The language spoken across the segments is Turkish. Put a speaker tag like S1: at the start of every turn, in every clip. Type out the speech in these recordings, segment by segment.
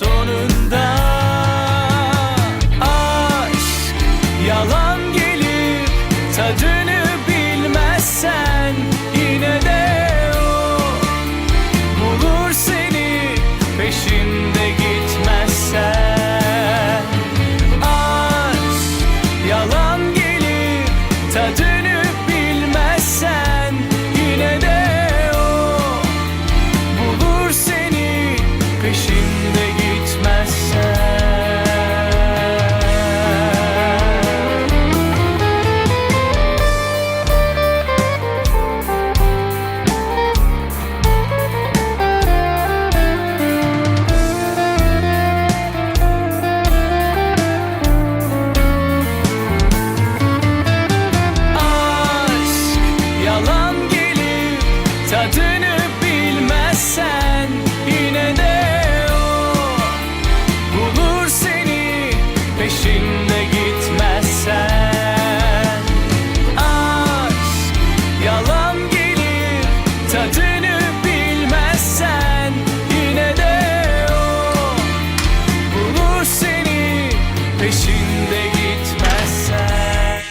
S1: sonunda. Aşk yalan gelir, tadını bilmezsen yine de o bulur seni, peşinde gitmezsen. Aşk yalan gelir, tadını bilmezsen yine de o bulur seni, peşinde gitmezsen. Aşk yalan gelir, tadını bilmezsen yine de o bulur seni, peşinde gitmezsen. Aşk yalan gelir, tadını bilmezsen yine de o bulur seni, peşinde gitmezsen.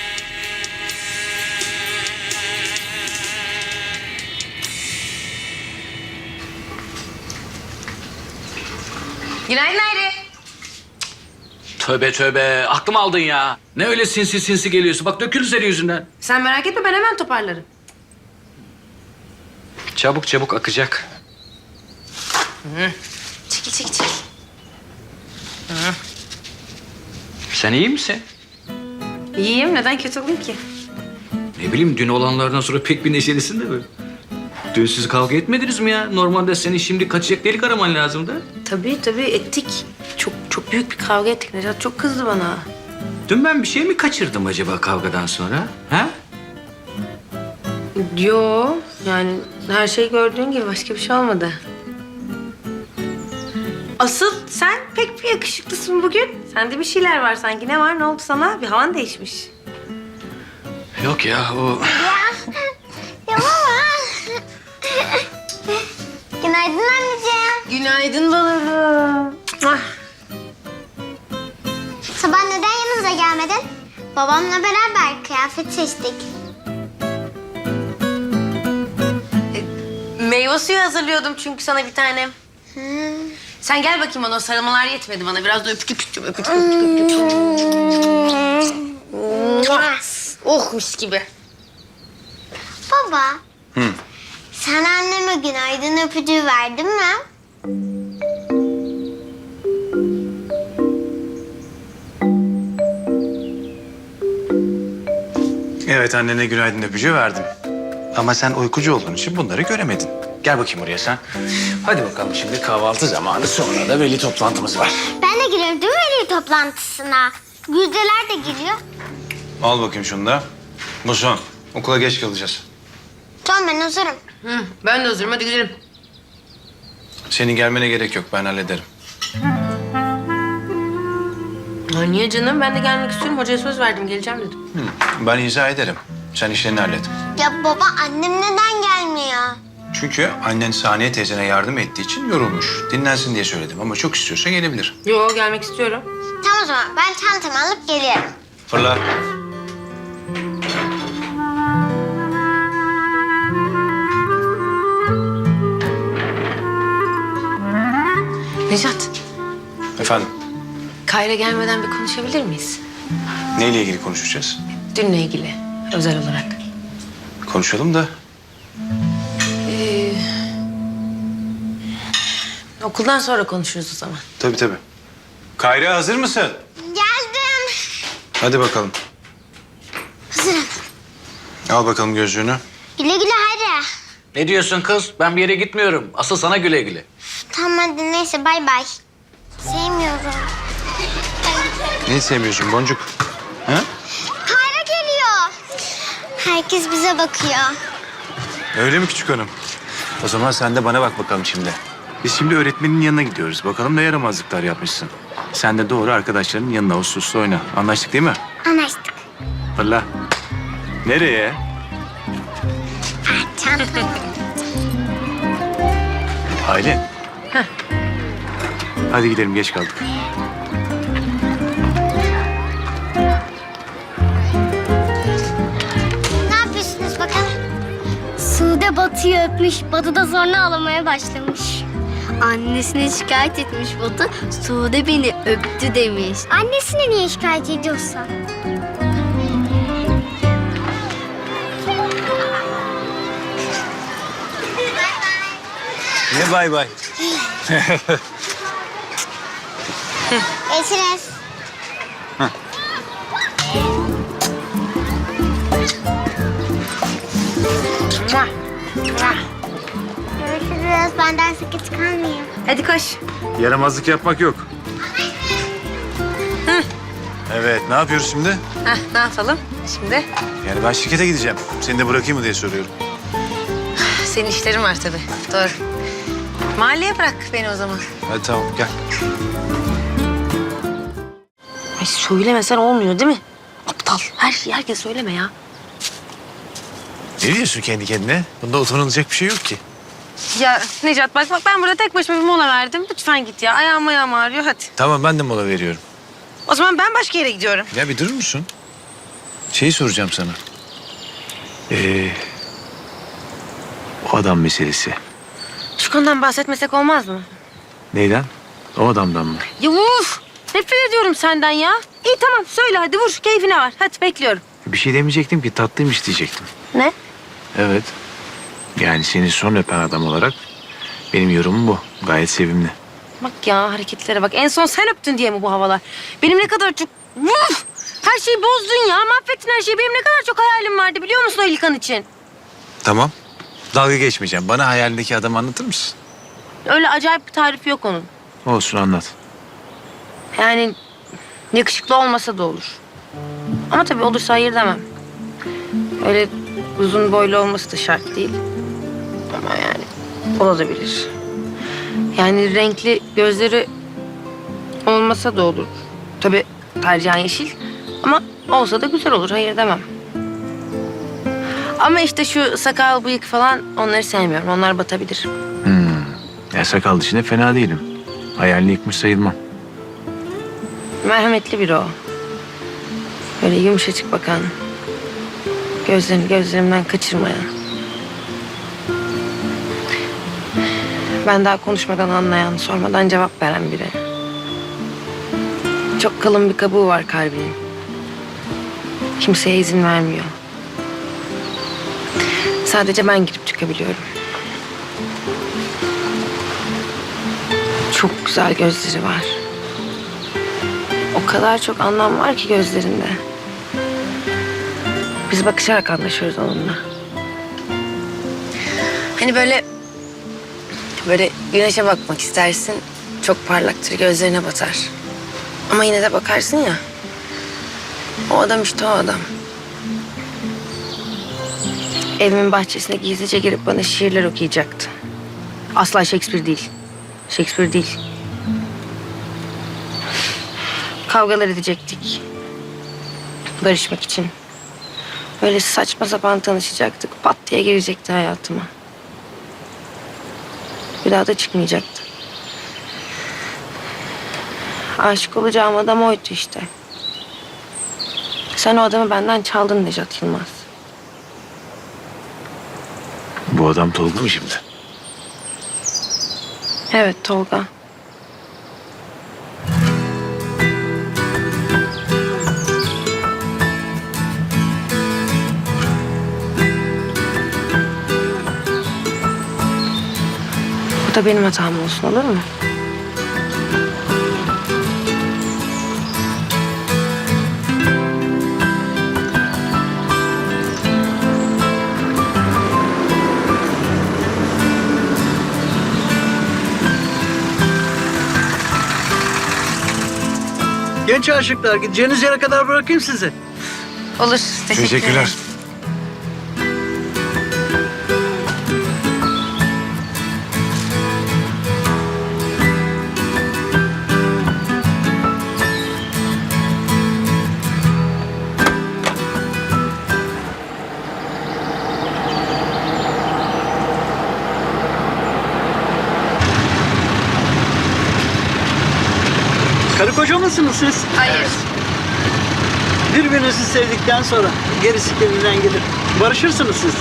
S2: Günaydın Hayri.
S3: Tövbe tövbe, aklımı aldın ya. Ne öyle sinsi sinsi geliyorsun? Bak dökülür senin yüzünden.
S2: Sen merak etme, ben hemen toparlarım.
S3: Çabuk çabuk akacak.
S2: Çekil çekil çekil.
S3: Sen iyi misin?
S2: İyiyim, neden kötü olayım ki?
S3: Ne bileyim, dün olanlardan sonra pek bir neşelisin de böyle. Dün siz kavga etmediniz mi ya? Normalde senin şimdi kaçacak delik araman lazımdı.
S2: Tabii ettik. Çok büyük bir kavga ettik. Necat çok kızdı bana.
S3: Dün ben bir şey mi kaçırdım acaba kavgadan sonra? Ha?
S2: Yo, yani her şey gördüğün gibi, başka bir şey olmadı. Asıl sen pek bir yakışıklısın bugün. Sende bir şeyler var sanki. Ne var, ne oldu sana? Bir havan değişmiş.
S3: Yok ya, o...
S4: Ya baba. Günaydın anneciğim.
S2: Günaydın balığım. Ah.
S4: Sabah neden yanımıza gelmedin? Babamla beraber kıyafet seçtik.
S2: Meyve suyu hazırlıyordum çünkü sana bir tane. Sen gel bakayım bana, o sarılmalar yetmedi bana. Biraz da öpücük öpücük. Oh, mis gibi.
S4: Baba. Sen anneme günaydın öpücüğü verdin mi?
S5: Evet, annene günaydın öpücüğü verdim. Ama sen uykucu olduğun için bunları göremedin. Gel bakayım oraya sen. Hadi bakalım, şimdi kahvaltı zamanı, sonra da veli toplantımız var.
S4: Ben de girerim değil mi veli toplantısına? Güzdeler de geliyor.
S5: Al bakayım şunu da. Bu son. Okula geç kalacağız.
S4: Tamam ben hazırım.
S2: Ben de hazırım, hadi gidelim.
S5: Senin gelmene gerek yok, ben hallederim.
S2: Ha, niye canım? Ben de gelmek istiyorum. Hocaya söz verdim, geleceğim dedim.
S5: Ben izah ederim. Sen işlerini hallet.
S4: Ya baba annem neden gelmiyor?
S5: Çünkü annen Saniye teyzene yardım ettiği için yorulmuş. Dinlensin diye söyledim ama çok istiyorsa gelebilir.
S2: Yo, gelmek istiyorum.
S4: Tamam o zaman ben çantamı alıp geliyorum.
S5: Fırla.
S2: Necat,
S5: Efendim,
S2: Kayra gelmeden bir konuşabilir miyiz?
S5: neyle ilgili konuşacağız?
S2: Dünle ilgili, özel olarak.
S5: Konuşalım da.
S2: Okuldan sonra konuşuruz o zaman.
S5: Tabii tabii. Kayra, hazır mısın?
S4: Geldim.
S5: Hadi bakalım.
S4: Hazırım.
S5: Al bakalım gözlüğünü.
S4: Güle güle Hayri.
S3: Ne diyorsun kız? Ben bir yere gitmiyorum. Asıl sana güle güle.
S4: Tamam hadi neyse bay bay. Sevmiyorum.
S5: Neyi sevmiyorsun Boncuk? Ha?
S4: Kayra geliyor. Herkes bize bakıyor.
S5: Öyle mi küçük hanım? O zaman sen de bana bak bakalım şimdi. Biz şimdi öğretmenin yanına gidiyoruz. Bakalım ne yaramazlıklar yapmışsın. Sen de doğru arkadaşlarının yanına uslu uslu oyna. Anlaştık değil mi?
S4: Anlaştık.
S5: Fırla. Nereye?
S4: Çantam.
S5: Aylin. Hadi gidelim, geç kaldık.
S4: Ne yapıyorsunuz bakalım? Sude Batı'yı öpmüş. Batı da sonra ağlamaya başlamış. Annesine şikayet etmiş Batı. Sude beni öptü demiş. Annesine niye şikayet ediyorsa?
S5: Ne bay bay?
S4: Görüşürüz. Görüşürüz. Ben derse geç kalmayayım.
S2: Hadi koş.
S5: Yaramazlık yapmak yok. Evet, ne yapıyoruz şimdi?
S2: Heh, ne yapalım şimdi?
S5: Yani ben şirkete gideceğim. Seni de bırakayım mı diye soruyorum.
S2: Senin işlerin var tabii. Doğru. Mahalleye bırak beni o zaman.
S5: Hadi tamam, gel.
S2: Ay söylemesen olmuyor değil mi? Aptal. Her şeyi herkes söyleme ya.
S5: Ne diyorsun kendi kendine? Bunda utanılacak bir şey yok ki.
S2: Ya Necat bak ben burada tek başıma bir mola verdim. Lütfen git ya. Ayağım ağrıyor hadi.
S5: Tamam, ben de mola veriyorum.
S2: O zaman ben başka yere gidiyorum.
S5: Ya bir durur musun? Şeyi soracağım sana. O adam meselesi.
S2: Şu konudan bahsetmesek olmaz mı?
S5: Neyden? O adamdan mı?
S2: Ya uf! Nefret ediyorum senden ya. İyi tamam söyle hadi vur keyfine var. Hadi bekliyorum.
S5: Bir şey demeyecektim ki, tatlıymış diyecektim.
S2: Ne?
S5: Evet. Yani seni son öpen adam olarak benim yorumum bu. Gayet sevimli.
S2: Bak ya hareketlere bak. En son sen öptün diye mi bu havalar? Benim ne kadar çok... Uf! Her şeyi bozdun ya. Mahvettin her şeyi. Benim ne kadar çok hayalim vardı biliyor musun o İlkan için?
S5: Tamam. Dalga geçmeyeceğim. Bana hayalindeki adamı anlatır mısın?
S2: Öyle acayip bir tarifi yok onun.
S5: Olsun, anlat.
S2: Yani yakışıklı olmasa da olur. Ama tabii olursa hayır demem. Öyle uzun boylu olması da şart değil. Ama yani olabilir. Yani renkli gözleri olmasa da olur. Tabii tercihen yeşil. Ama olsa da güzel olur. Hayır demem. Ama işte şu sakal, bıyık falan onları sevmiyorum. Onlar batabilir.
S5: Ya sakal dışında fena değilim. Hayalini yıkmış sayılmam.
S2: Merhametli biri o. Böyle yumuşacık bakan. Gözlerini gözlerimden kaçırmayan. Ben daha konuşmadan anlayan, sormadan cevap veren biri. Çok kalın bir kabuğu var kalbinin. Kimseye izin vermiyor. Sadece ben girip çıkabiliyorum. Çok güzel gözleri var. O kadar çok anlam var ki gözlerinde. Biz bakışarak anlaşıyoruz onunla. Hani böyle güneşe bakmak istersin. Çok parlaktır, gözlerine batar. Ama yine de bakarsın ya. O adam işte o adam. Evimin bahçesine gizlice girip bana şiirler okuyacaktı. Asla Shakespeare değil. Shakespeare değil. Kavgalar edecektik. Barışmak için. Öyle saçma sapan tanışacaktık. Pat diye girecekti hayatıma. Bir daha da çıkmayacaktı. Aşık olacağım adam oydu işte. Sen o adamı benden çaldın Necat Yılmaz.
S5: Bu adam Tolga mı şimdi?
S2: Evet Tolga. Bu da benim hatam olsun olur mu?
S6: Genç aşıklar, gideceğiniz yere kadar bırakayım sizi.
S2: Olur.
S5: Teşekkürler.
S2: ederim.
S6: Karı koca mısınız siz?
S2: Hayır.
S6: Birbirinizi sevdikten sonra gerisi kendinden gelir. Barışırsınız siz.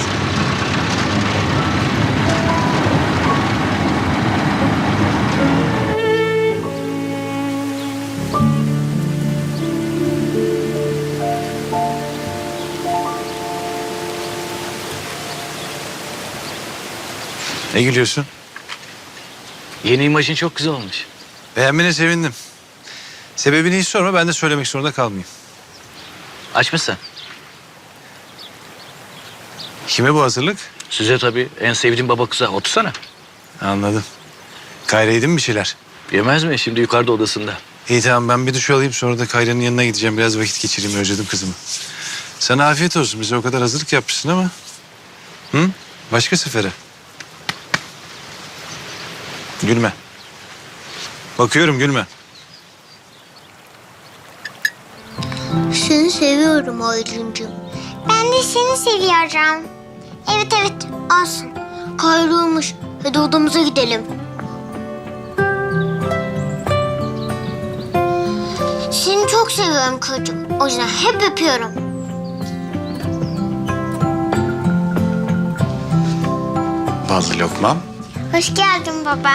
S5: Ne gülüyorsun?
S3: Yeni imajın çok güzel olmuş.
S5: Beğenmene sevindim. Sebebini hiç sorma, ben de söylemek zorunda kalmayayım.
S3: Aç mısın?
S5: Kime bu hazırlık?
S3: Size tabii en sevdiğim baba kıza. Otursana.
S5: Anladım. Kayra yedin mi bir şeyler?
S3: Yemez mi? Şimdi yukarıda odasında.
S5: İyi tamam, ben bir duş alayım, sonra da Kayra'nın yanına gideceğim. Biraz vakit geçireyim, özledim kızımı. Sana afiyet olsun, bize o kadar hazırlık yapmışsın ama. Hı? Başka sefere. Gülme. Bakıyorum, gülme.
S4: Seni seviyorum Aylin'cim. Ben de seni seviyorum. Evet olsun. Kayrılmış. Hadi odamıza gidelim. Seni çok seviyorum çocuğum. O yüzden hep öpüyorum.
S5: Ballı lokmam.
S4: Hoş geldin baba.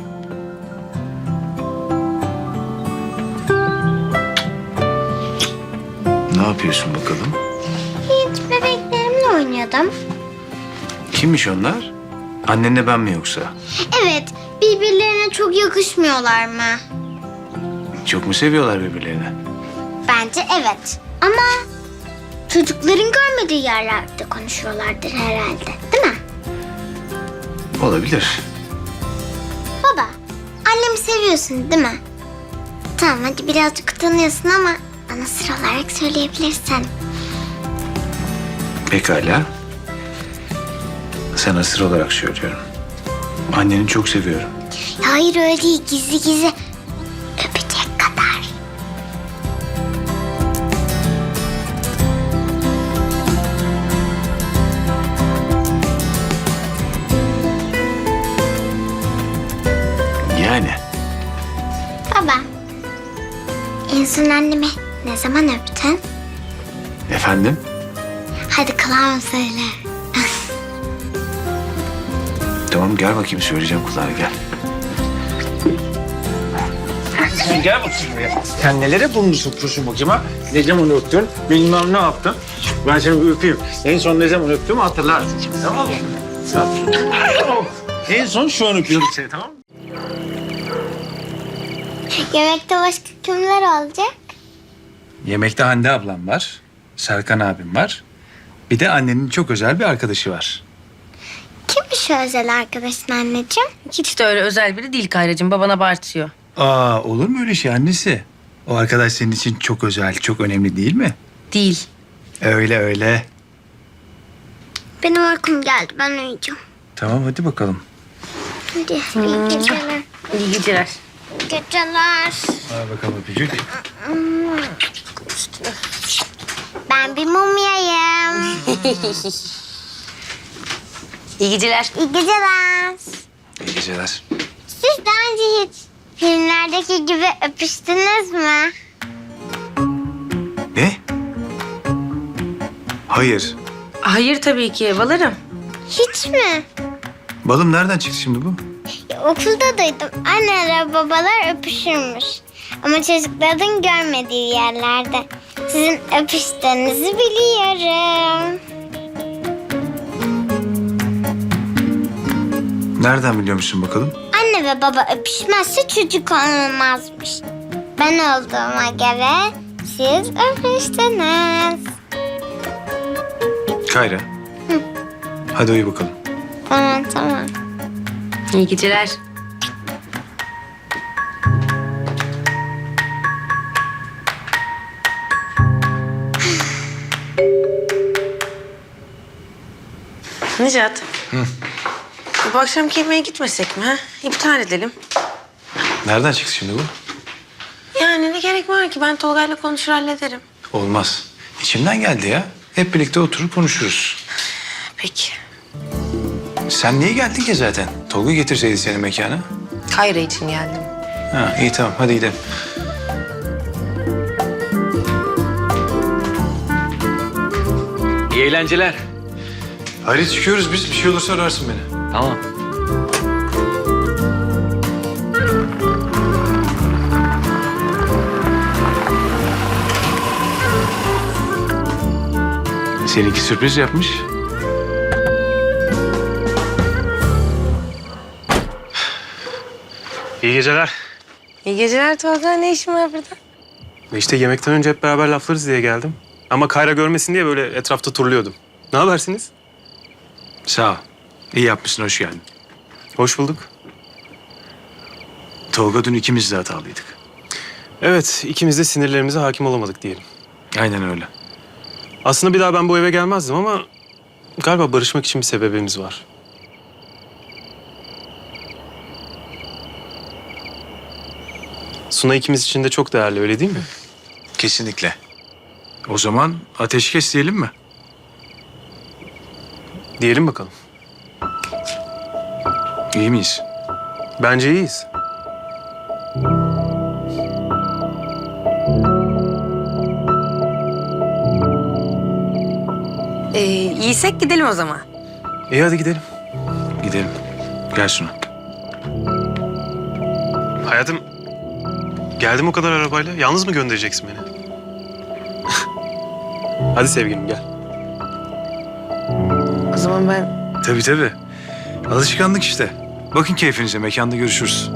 S5: Ne yapıyorsun bakalım?
S4: Hiç bebeklerimle oynuyordum.
S5: Kimmiş onlar? Annenle ben mi yoksa?
S4: Evet, birbirlerine çok yakışmıyorlar mı?
S5: Çok mu seviyorlar birbirlerini?
S4: Bence evet. Ama çocukların görmediği yerlerde konuşuyorlardır herhalde, değil mi?
S5: Olabilir.
S4: Baba, annemi seviyorsun değil mi? Tamam, hadi birazcık utanıyorsun ama bana sır olarak söyleyebilirsin.
S5: Pekala. Sana sır olarak söylüyorum. Anneni çok seviyorum.
S4: Hayır öyle değil, gizli gizli. Öpecek kadar.
S5: Yani.
S4: Baba, en son annemi ne zaman öptün?
S5: Efendim?
S4: Hadi kulağıma söyle.
S5: Tamam, gel bakayım, söyleyeceğim kulağına, gel.
S7: Gel bakayım buraya. Sen nelere burnunu sokuyorsun bakayım ha? Ne zaman öptün? Bilmem ne yaptın. Ben seni bir öpeyim. En son ne zaman öptüğümü hatırlarsın şimdi, tamam mı? En son şu an öpüyorum seni, tamam mı?
S4: Yemekte başka kimler olacak?
S5: Yemekte Hande ablam var. Serkan abim var. Bir de annenin çok özel bir arkadaşı var.
S4: Kimmiş o özel arkadaşın anneciğim?
S2: Hiç de öyle özel biri değil Kayracığım. Baban abartıyor.
S5: Aa, olur mu öyle şey annesi? O arkadaş senin için çok özel, çok önemli değil mi?
S2: Değil.
S5: Öyle öyle.
S4: Benim uykum geldi, ben uyuyacağım.
S5: Tamam, hadi bakalım.
S4: Hadi, iyi geceler.
S2: İyi geceler.
S4: Geceler.
S5: Al bakalım öpücük.
S4: Ben bir mumyayım.
S2: İyi geceler.
S4: İyi geceler.
S5: İyi geceler.
S4: Siz daha önce hiç filmlerdeki gibi öpüştünüz mü?
S5: Ne? Hayır.
S2: Hayır tabii ki. Balarım.
S4: Hiç mi?
S5: Balım nereden çıktı şimdi bu?
S4: Okulda duydum. Anneler babalar öpüşürmüş. Ama çocukların görmediği yerlerde. Sizin öpüştüğünüzü biliyorum.
S5: Nereden biliyormuşsun bakalım?
S4: Anne ve baba öpüşmezse çocuk olmazmış. Ben olduğuma göre siz öpüştünüz.
S5: Kayra. Hadi uyu bakalım.
S4: Tamam.
S2: İyi geceler. Necat. Bu akşamki yemeğe gitmesek mi ha? İptal edelim.
S5: Nereden çıktı şimdi bu?
S2: Yani ne gerek var ki? Ben Tolga'yla konuşur hallederim.
S5: Olmaz. İçimden geldi ya. Hep birlikte oturup konuşuruz.
S2: Peki.
S5: Sen niye geldin ki zaten? Tolga getirseydi seni mekana.
S2: Kayra için geldim.
S5: Ha, iyi tamam, hadi gidelim.
S3: İyi eğlenceler.
S5: Hadi çıkıyoruz biz. Bir şey olursa ararsın beni.
S3: Tamam.
S5: Seninki sürpriz yapmış.
S8: İyi geceler.
S2: İyi geceler Tolga. Ne işin var burada?
S8: İşte yemekten önce hep beraber laflarız diye geldim. Ama Kayra görmesin diye böyle etrafta turluyordum. Ne habersiniz?
S5: Sağ ol. İyi yapmışsın, hoş geldin.
S8: Hoş bulduk.
S5: Tolga dün ikimiz de hatalıydık.
S8: Evet, ikimiz de sinirlerimize hakim olamadık diyelim.
S5: Aynen öyle.
S8: Aslında bir daha ben bu eve gelmezdim ama galiba barışmak için bir sebebimiz var. Suna ikimiz için de çok değerli, öyle değil mi?
S5: Kesinlikle. O zaman ateşkes diyelim mi?
S8: Diyelim bakalım.
S5: İyi miyiz?
S8: Bence iyiyiz.
S2: İyiysek gidelim o zaman.
S8: İyi hadi gidelim.
S5: Gidelim. Gel Suna.
S8: Hayatım, geldim o kadar arabayla. Yalnız mı göndereceksin beni? Hadi sevgilim gel.
S2: O zaman ben...
S5: Tabii tabii. Alışkanlık işte. Bakın keyfinize, mekanda görüşürüz.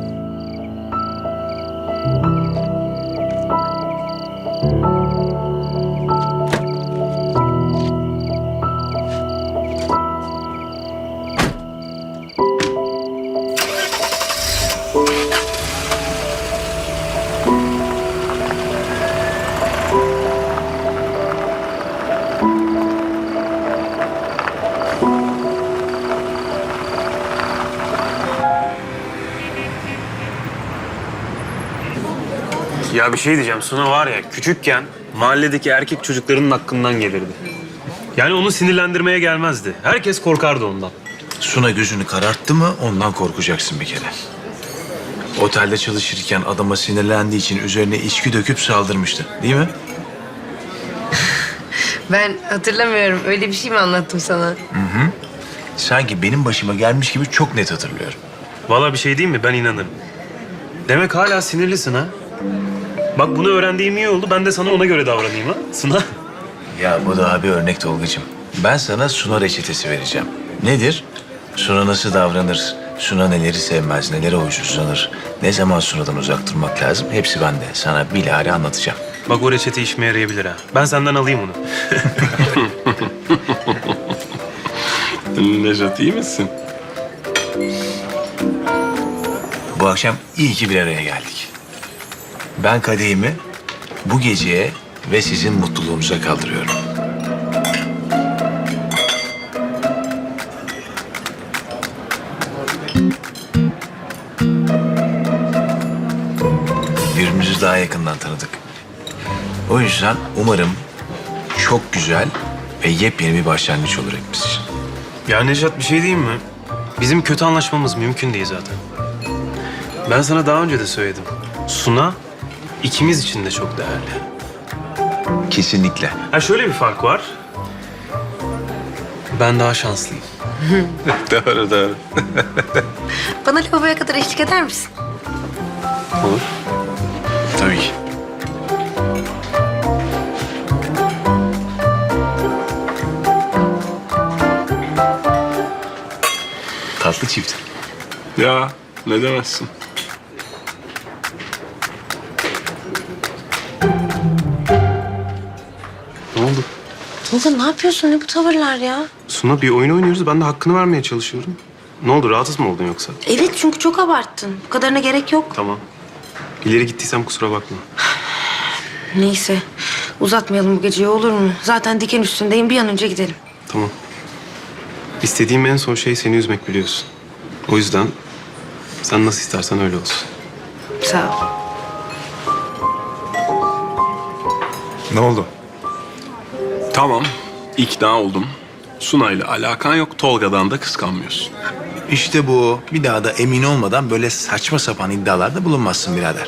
S8: Ya bir şey diyeceğim. Suna var ya küçükken mahalledeki erkek çocuklarının hakkından gelirdi. Yani onu sinirlendirmeye gelmezdi. Herkes korkardı ondan.
S5: Suna gözünü kararttı mı ondan korkacaksın bir kere. Otelde çalışırken adama sinirlendiği için üzerine içki döküp saldırmıştı. Değil mi?
S2: Ben hatırlamıyorum. Öyle bir şey mi anlattım sana?
S5: Sanki benim başıma gelmiş gibi çok net hatırlıyorum.
S8: Vallahi bir şey diyeyim mi? Ben inanırım. Demek hala sinirlisin ha? Bak bunu öğrendiğim iyi oldu. Ben de sana ona göre davranayım ha. Suna.
S5: Ya bu daha bir örnek Tolgacığım. Ben sana Suna reçetesi vereceğim. Nedir? Suna nasıl davranır? Suna neleri sevmez, nelere huysuzlanır? Ne zaman Suna'dan uzak durmak lazım? Hepsi bende. Sana bilahare anlatacağım.
S8: Bak o reçete işime yarayabilir ha. Ben senden alayım onu. Nejat iyi misin?
S5: Bu akşam iyi ki bir araya geldik. Ben kadehimi bu geceye ve sizin mutluluğunuza kaldırıyorum. Birbirimizi daha yakından tanıdık. O yüzden umarım çok güzel ve yepyeni bir başlangıç olur hepimiz için.
S8: Ya Nejat bir şey diyeyim mi? Bizim kötü anlaşmamız mümkün değil zaten. Ben sana daha önce de söyledim. Suna ikimiz için de çok değerli.
S5: Kesinlikle.
S8: Ha şöyle bir fark var. Ben daha şanslıyım.
S5: Doğru.
S2: Bana lavaboya kadar eşlik eder misin?
S8: Olur.
S5: Tabii ki. Tatlı çift.
S8: Ya ne demezsin. Ne oldu?
S2: Tolga ne yapıyorsun? Ne bu tavırlar ya?
S8: Suna bir oyun oynuyoruz. Ben de hakkını vermeye çalışıyorum. Ne oldu? Rahatsız mı oldun yoksa?
S2: Evet çünkü çok abarttın. Bu kadarına gerek yok.
S8: Tamam. İleri gittiysem kusura bakma.
S2: Neyse uzatmayalım bu geceyi olur mu? Zaten diken üstündeyim. Bir an önce gidelim.
S8: Tamam. İstediğim en son şey seni üzmek biliyorsun. O yüzden sen nasıl istersen öyle olsun.
S2: Sağ ol.
S5: Ne oldu?
S9: Tamam, ikna oldum. Sunay'la alakan yok, Tolga'dan da kıskanmıyorsun.
S5: İşte bu. Bir daha da emin olmadan böyle saçma sapan iddialarda bulunmazsın birader.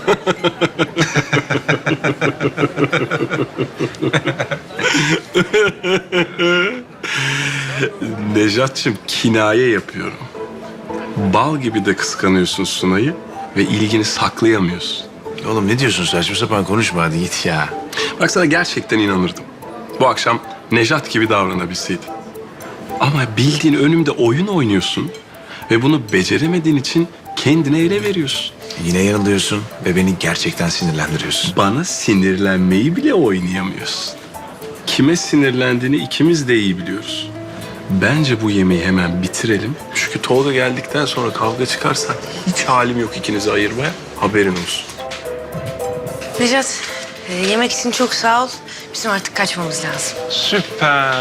S9: Nejat'cığım kinaye yapıyorum. Bal gibi de kıskanıyorsun Sunay'ı ve ilgini saklayamıyorsun.
S5: Oğlum ne diyorsun, saçma sapan konuşma, hadi git ya.
S9: Bak sana gerçekten inanırdım. Bu akşam Nejat gibi davranabilseydin. Ama bildiğin önümde oyun oynuyorsun ve bunu beceremediğin için kendine ele veriyorsun.
S5: Yine yanılıyorsun ve beni gerçekten sinirlendiriyorsun.
S9: Bana sinirlenmeyi bile oynayamıyorsun. Kime sinirlendiğini ikimiz de iyi biliyoruz. Bence bu yemeği hemen bitirelim. Çünkü Tolga geldikten sonra kavga çıkarsa hiç halim yok ikinizi ayırmaya. Haberin olsun.
S2: Necat, yemek için çok sağ ol. Bizim artık kaçmamız lazım.
S7: Süper.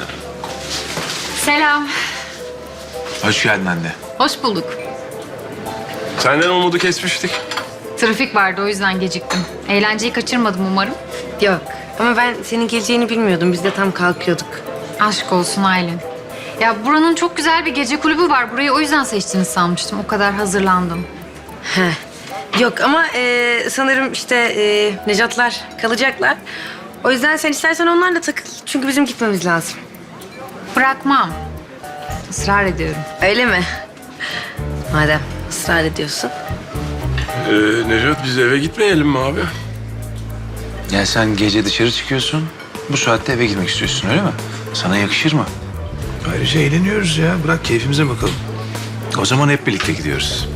S10: Selam.
S5: Hoş geldin anne.
S10: Hoş bulduk.
S9: Senden umudu kesmiştik.
S10: Trafik vardı o yüzden geciktim. Eğlenceyi kaçırmadım umarım.
S2: Yok ama ben senin geleceğini bilmiyordum. Biz de tam kalkıyorduk.
S10: Aşk olsun Aylin. Ya buranın çok güzel bir gece kulübü var. Burayı o yüzden seçtiğini sanmıştım. O kadar hazırlandım.
S2: Yok ama sanırım işte Necatlar kalacaklar. O yüzden sen istersen onlarla takıl. Çünkü bizim gitmemiz lazım.
S10: Bırakmam. Israr ediyorum.
S2: Öyle mi? Madem ısrar ediyorsun.
S9: Nejat biz eve gitmeyelim mi abi?
S5: Ya sen gece dışarı çıkıyorsun, bu saatte eve gitmek istiyorsun öyle mi? Sana yakışır mı? Ayrıca eğleniyoruz ya, bırak keyfimize bakalım. O zaman hep birlikte gidiyoruz.